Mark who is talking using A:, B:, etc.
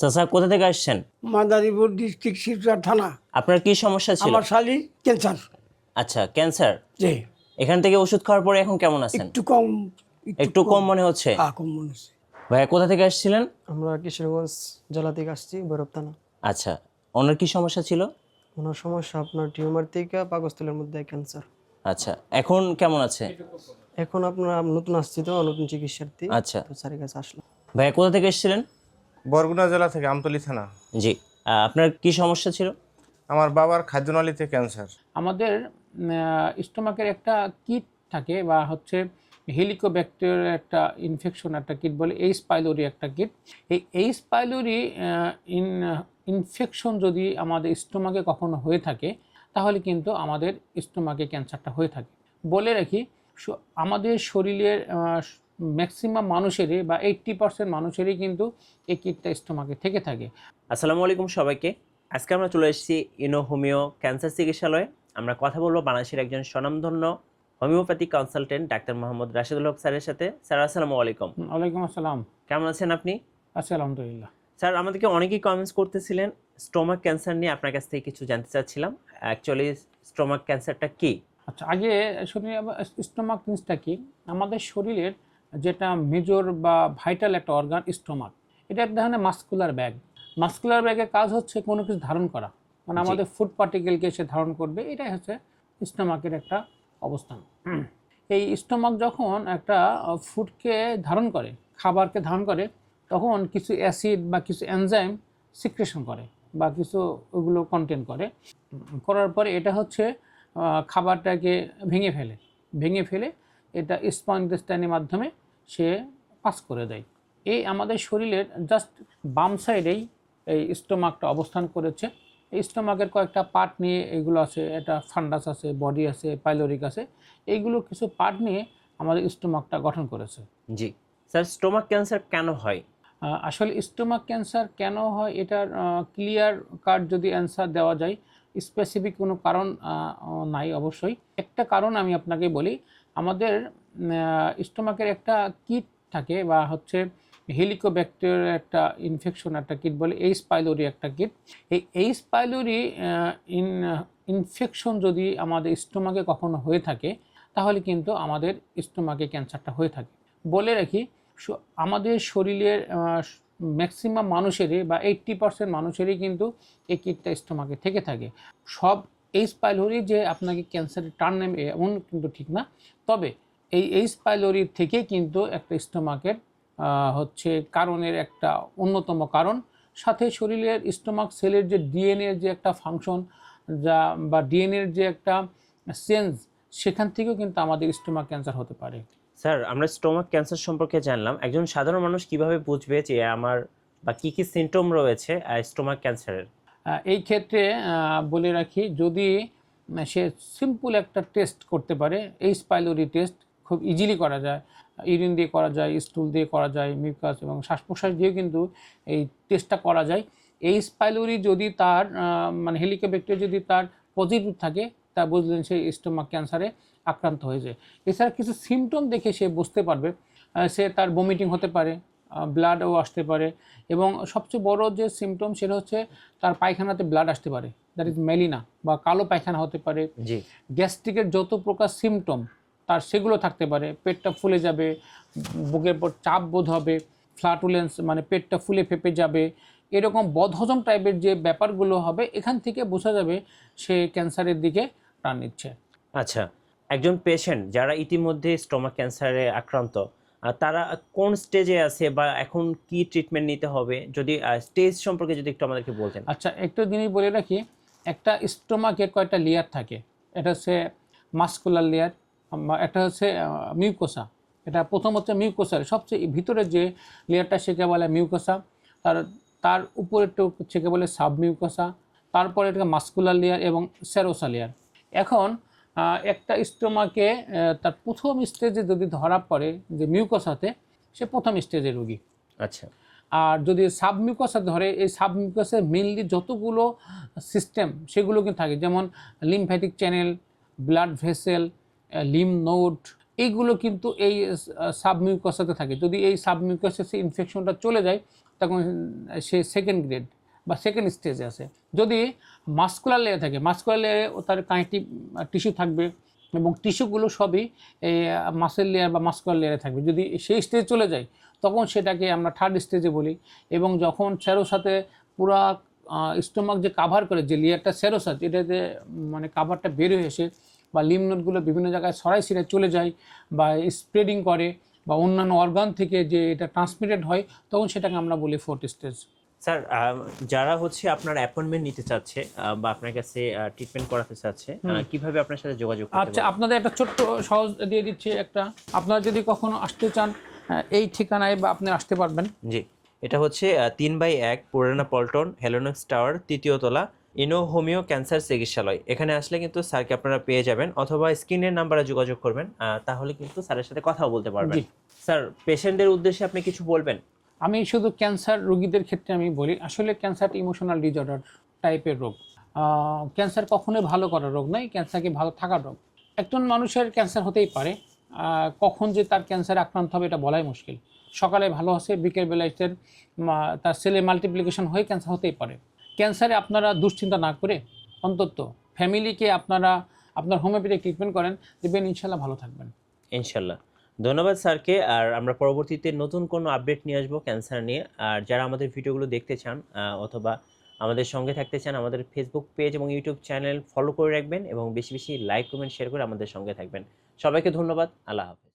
A: চাচা কোথা থেকে আসছেন?
B: মাদারীপুর ডিস্ট্রিক্ট শিবচর থানা।
A: আপনার কি সমস্যা ছিল?
B: আমার শালি ক্যান্সার।
A: আচ্ছা, ক্যান্সার।
B: জি।
A: এখান থেকে ওষুধ খাওয়ার পরে এখন কেমন আছেন?
B: একটু কম।
A: একটু কম মনে হচ্ছে?
B: হ্যাঁ, কম মনে হচ্ছে।
A: ভাইয়া কোথা থেকে আসছিলেন?
C: আমরা কিশোরগঞ্জ জেলা থেকে আসছি, ভৈরব থানা।
A: আচ্ছা, ওনার কি সমস্যা ছিল?
C: ওনার সমস্যা আপনার টিউমার থেকে পাকস্থলীর মধ্যে ক্যান্সার।
A: আচ্ছা, এখন কেমন আছে?
C: এখন আপনার নতুন আসছি তো, নতুন চিকিৎসার্থী।
A: আচ্ছা
C: তো স্যারের কাছে আসলাম।
A: ভাইয়া কোথা থেকে এসেছিলেন?
D: বরগুনা জেলা থেকে আমতলী থানা।
A: জি, আপনার কি সমস্যা ছিল?
D: আমার বাবার খাদ্যনালীতে ক্যান্সার।
E: আমাদের স্টোমাকের একটা কিট থাকে বা হচ্ছে হেলিকোব্যাকটেরিয়ার একটা ইনফেকশন একটা কিট বলে, এইচ পাইলোরি একটা কিট। এই এইচ পাইলোরি ইনফেকশন যদি আমাদের স্টোমাকে কখনো হয়ে থাকে তাহলে কিন্তু আমাদের স্টোমাকে ক্যান্সারটা হয়ে থাকে। বলে রাখি, আমাদের শরীরের ম্যাক্সিমাম মানুষেরই বা 80% মানুষেরই কিন্তু এই কিটটা স্টোমাকে থেকে থাকে।
A: আসসালামু আলাইকুম সবাইকে। আজকে আমরা চলে এসেছি ইনো হোমিও ক্যান্সার চিকিৎসালয়ে। আমরা কথা বলবো বাংলাদেশের একজন স্বনামধন্য homeopathic consultant doctor Mohammad Rashedul Haque স্যারের সাথে। স্যার আসসালামু আলাইকুম।
E: ওয়ালাইকুম আসসালাম।
A: কেমন আছেন আপনি?
E: আচ্ছা, আলহামদুলিল্লাহ।
A: স্যার, আমাদেরকে অনেকেই কমেন্টস করতেছিলেন স্টোমাক ক্যান্সার নিয়ে, আপনার কাছ থেকে কিছু জানতে চাচ্ছিলাম। অ্যাকচুয়ালি স্টোমাক ক্যান্সারটা কি?
E: আচ্ছা, আগে শুনি স্টোমাক জিনিসটা কি। আমাদের শরীরের যেটা মেজর বা ভাইটাল একটা অর্গান স্টোমাক, এটা এক ধরনের মাস্কুলার ব্যাগ। মাস্কুলার ব্যাগের কাজ হচ্ছে কোনো কিছু ধারণ করা, মানে আমাদের ফুড পার্টিকেলকে সে ধারণ করবে, এটাই হচ্ছে স্টোমাকের একটা অবস্থান। এই স্টোমাক যখন একটা ফুডকে ধারণ করে, খাবারকে ধারণ করে, তখন কিছু অ্যাসিড বা কিছু এনজাইম সিক্রেশন করে বা কিছু ওগুলো কন্টেন করে। করার পরে এটা হচ্ছে খাবারটাকে ভেঙে ফেলে এটা স্মল ইন্টেস্টাইনের মাধ্যমে সে পাস করে দেয়। এই আমাদের শরীরের জাস্ট বাম সাইডেই এই স্টোমাকটা অবস্থান করেছে। এই স্টোমাকের কয়েকটা পার্ট নিয়ে এইগুলো আছে, এটা ফান্ডাস আছে, বডি আছে, পাইলোরিক আছে, এইগুলো কিছু পার্ট নিয়ে আমাদের স্টোমাকটা গঠন করেছে।
A: জি স্যার, স্টোমাক ক্যান্সার কেন হয়?
E: আসলে স্টোমাক ক্যান্সার কেন হয় এটার ক্লিয়ার কাট যদি অ্যান্সার দেওয়া যায়, স্পেসিফিক কোনো কারণ নাই অবশ্যই। একটা কারণ আমি আপনাকে বলি, আমাদের স্টোমাকের একটা কিট থাকে বা হচ্ছে হেলিকোব্যাকটেরিয়ার একটা ইনফেকশন একটা কিট বলে, এইচ পাইলোরি একটা কিট। এই এইচ পাইলোরি ইনফেকশন যদি আমাদের স্টোমাকে কখনো হয়ে থাকে তাহলে কিন্তু আমাদের স্টোমাকে ক্যান্সারটা হয়ে থাকে। বলে রাখি, আমাদের শরীরের ম্যাক্সিমাম মানুষেরই বা 80% মানুষেরই কিন্তু এই কিটটা স্টোমাকে থেকে থাকে। সব এইচ পাইলোরি যে আপনাকে ক্যান্সারের টার্ন নেবে এমন কিন্তু ঠিক না। তবে এই এইচ পাইলোরির থেকে কিন্তু একটা স্টোমাকের হচ্ছে কারণের একটা অন্যতম কারণ। সাথে শরীরের স্টোমাক সেলের যে ডিএনএর যে একটা ফাংশন যা বা ডিএনএর যে একটা চেঞ্জ, সেখান থেকেও কিন্তু আমাদের স্টোমাক ক্যান্সার হতে পারে।
A: স্যার, আমরা স্টোমাক ক্যান্সার সম্পর্কে জানলাম। একজন সাধারণ মানুষ কিভাবে বুঝবে যে আমার বা কি কি সিমটম রয়েছে স্টোমাক ক্যান্সারের?
E: এই ক্ষেত্রে বলে রাখি, যদি সে সিম্পল একটা টেস্ট করতে পারে, এইচ পাইলোরি টেস্ট খুব ইজিলি করা যায়, ইউরিন দিয়ে করা যায়, স্টুল দিয়ে করা যায়, মিউকাস এবং শ্বাস প্রশ্বাস দিয়েও কিন্তু এই টেস্টটা করা যায়। এইচ পাইলোরি যদি তার মানে হেলিকোব্যাকটেরিয়া যদি তার পজিটিভ থাকে, তা বুঝলেন সে স্টোমাক ক্যান্সারে আক্রান্ত হয়েছে। এছাড়া কিছু সিমটম দেখে সে বুঝতে পারবে, সে তার বমিটিং হতে পারে, ব্লাডও আসতে পারে, এবং সবচেয়ে বড় যে সিমটম সেটা হচ্ছে তার পায়খানাতে ব্লাড আসতে পারে, দ্যাট ইজ মেলিনা বা কালো পায়খানা হতে পারে।
A: জি।
E: গ্যাস্ট্রিকের যত প্রকার সিমটম তার সেগুলো থাকতে পারে, পেটটা ফুলে যাবে, বুকের পর চাপ বোধ হবে, ফ্লাটুলেন্স মানে পেটটা ফুলে ফেপে যাবে, এরকম বদহজম টাইপের যে ব্যাপারগুলো হবে, এখান থেকে বোঝা যাবে সে ক্যান্সারের দিকে প্রাণ নিচ্ছে।
A: আচ্ছা, একজন পেশেন্ট যারা ইতিমধ্যে স্টোমাক ক্যান্সারে আক্রান্ত, তারা কোন স্টেজে আছে বা এখন কি ট্রিটমেন্ট নিতে হবে, যদি স্টেজ সম্পর্কে যদি একটু আমাদেরকে বলতেন।
E: আচ্ছা, একটু জিনিস বলে রাখি, একটা স্টোমাকের কয়েকটা লেয়ার থাকে। এটা হচ্ছে মাস্কুলার লেয়ার, একটা হচ্ছে মিউকোসা। এটা প্রথম হচ্ছে মিউকোসার সবচেয়ে ভিতরে যে লেয়ারটা সেকে বলে মিউকোসা, তার উপরেরটা সেকে বলে সাবমিউকোসা, তারপরে এটা মাস্কুলার লেয়ার এবং সেরোসা লেয়ার। এখন একটা স্টোমাকে তার প্রথম স্টেজে যদি ধরা পড়ে যে মিউকোসাতে, সে প্রথম স্টেজের রোগী।
A: আচ্ছা।
E: আর যদি সাবমিউকাসে ধরে, এই সাবমিউকাসে মেনলি যতগুলো সিস্টেম সেগুলো কিন্তু থাকে, যেমন lymphatic channel, blood vessel, lymph node, এইগুলো কিন্তু এই সাবমিউকাসাতে থাকে। যদি এই সাবমিউকাসে ইনফেকশনটা চলে যায় তখন সে সেকেন্ড গ্রেড বা সেকেন্ড স্টেজে আছে। যদি মাস্কুলার লেয়ার থাকে, মাস্কুলার লেয়ারে তার কানেকটিভ টিস্যু থাকবে এবং টিস্যুগুলো সবই এই মাসেল লেয়ার বা মাস্কুলার লেয়ারে থাকবে। যদি সেই স্টেজ চলে যায় তখন সেটাকে আমরা থার্ড স্টেজে বলি। এবং যখন সেরোসাতে পুরা স্টোমাক যে কাভার করে যে লেয়ারটা সেরোসাত, এটাতে মানে কাভারটা বের হয়ে এসে বা লিম্ফ নোডগুলো বিভিন্ন জায়গায় ছড়াই ছিঁড়ে চলে যায় বা স্প্রেডিং করে বা অন্যান্য অর্গান থেকে যে এটা ট্রান্সমিটেড হয়, তখন সেটাকে আমরা বলি ফোর্থ স্টেজ।
A: স্যার, যারা হচ্ছে আপনার অ্যাপয়েন্টমেন্ট নিতে চাচ্ছে বা আপনার কাছে ট্রিটমেন্ট করাতে চাচ্ছে, কিভাবে আপনার সাথে যোগাযোগ করতে
E: আচ্ছা,
A: পারবে?
E: আপনাদের একটা ছোট্ট সহজ দিয়ে দিচ্ছি একটা। আপনারা যদি কখনো আসতে চান এই ঠিকানায় বা আপনি আসতে পারবেন।
A: জি, এটা হচ্ছে 3/1 পুরানা পল্টন হেলোনক্স টাওয়ার, 3য় তলা, ইনো হোমিও ক্যান্সার চিকিৎসালয়। এখানে আসলে কিন্তু স্যারকে আপনারা পেয়ে যাবেন, অথবা স্ক্রিনের নাম্বারে যোগাযোগ করবেন, তাহলে কিন্তু স্যারের সাথে কথাও বলতে পারবেন।
E: জি।
A: স্যার, পেশেন্টদের উদ্দেশ্যে আপনি কিছু বলবেন?
E: আমি শুধু ক্যান্সার রোগীদের ক্ষেত্রে আমি বলি, আসলে ক্যান্সার ইমোশনাল ডিসঅর্ডার টাইপের রোগ। ক্যান্সার কখনোই ভালো করার রোগ নয়, ক্যান্সারকে ভালো থাকার রোগ। একজন মানুষের ক্যান্সার হতেই পারে, কখন যে তার ক্যান্সারে আক্রান্ত হবে এটা বলাই মুশকিল। সকালে ভালো আছে, বিকেলবেলায় তার সেলে মাল্টিপ্লিকেশন হয়ে ক্যান্সার হতেই পারে। ক্যান্সারে আপনারা দুশ্চিন্তা না করে অন্তত ফ্যামিলিকে আপনারা আপনার হোমিওপ্যাথিক ট্রিটমেন্ট করেন, দেখবেন ইনশাল্লাহ ভালো থাকবেন।
A: ইনশাল্লাহ। ধন্যবাদ স্যারকে। আর আমরা পরবর্তীতে নতুন কোনো আপডেট নিয়ে আসবো ক্যান্সার নিয়ে। আর যারা আমাদের ভিডিওগুলো দেখতে চান অথবা আমাদের সঙ্গে থাকতে চান, আমাদের ফেসবুক পেজ এবং ইউটিউব চ্যানেল ফলো করে রাখবেন এবং বেশি বেশি লাইক, কমেন্ট, শেয়ার করে আমাদের সঙ্গে থাকবেন। সবাইকে ধন্যবাদ। আল্লাহ হাফেজ।